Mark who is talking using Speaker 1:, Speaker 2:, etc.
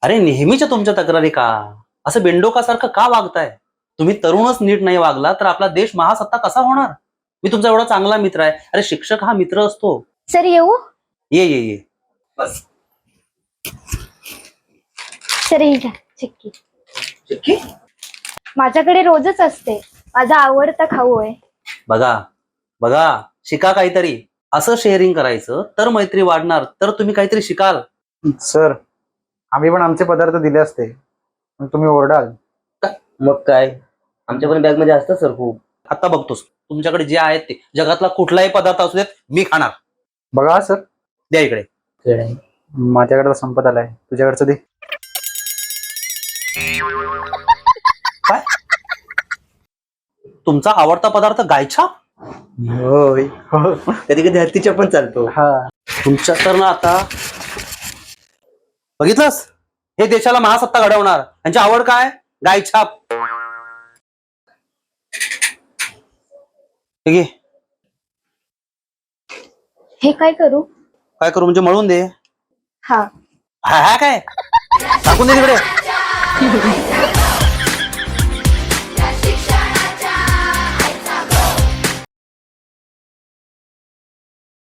Speaker 1: अरे नेहमीच्या तुमच्या तक्रारी का? असं बेंडोकासारखं का वागताय? तुम्ही तरुणच नीट नाही वागला तर आपला देश महासत्ता कसा होणार? मी तुमचा एवढा चांगला मित्र आहे. अरे शिक्षक हा मित्र असतो.
Speaker 2: सर येऊ?
Speaker 1: ये ये ये बस.
Speaker 2: सर ही घ्या चिक्की.
Speaker 1: चिक्की?
Speaker 2: माझ्याकडे रोजच असते. माझा आवडता खाऊ आहे.
Speaker 1: बघा बघा, शिका काहीतरी. असं शेअरिंग करायचं तर मैत्री वाढणार, तर तुम्ही काहीतरी शिकाल.
Speaker 3: सर, आम्ही पण आमचे पदार्थ दिले असते पण तुम्ही ओरडाल.
Speaker 4: मग काय, आमच्या पण बॅग मध्ये असतं सर खूप.
Speaker 1: आता बघतोस तुमच्याकडे जे आहेत ते जगातला कुठलाही पदार्थ असू देत मी खाणार.
Speaker 3: बघा सर,
Speaker 1: द्या इकडे.
Speaker 3: माझ्याकडे तर संपत आलाय, तुझ्याकडचं दे.
Speaker 1: काय? तुमचा आवडता पदार्थ गायछाप?
Speaker 4: होय, कधी कधी हत्तीच्या पण चालतो.
Speaker 3: हा,
Speaker 1: तुमच्या तर ना आता बघितलंस, हे देशाला महासत्ता घडवणार. यांची आवड काय? गायछाप. ठीक आहे,
Speaker 2: हे काय करू?
Speaker 1: काय करू म्हणजे मळून दे.
Speaker 2: हा.
Speaker 1: हा हा काय टाकून दे तिकडे.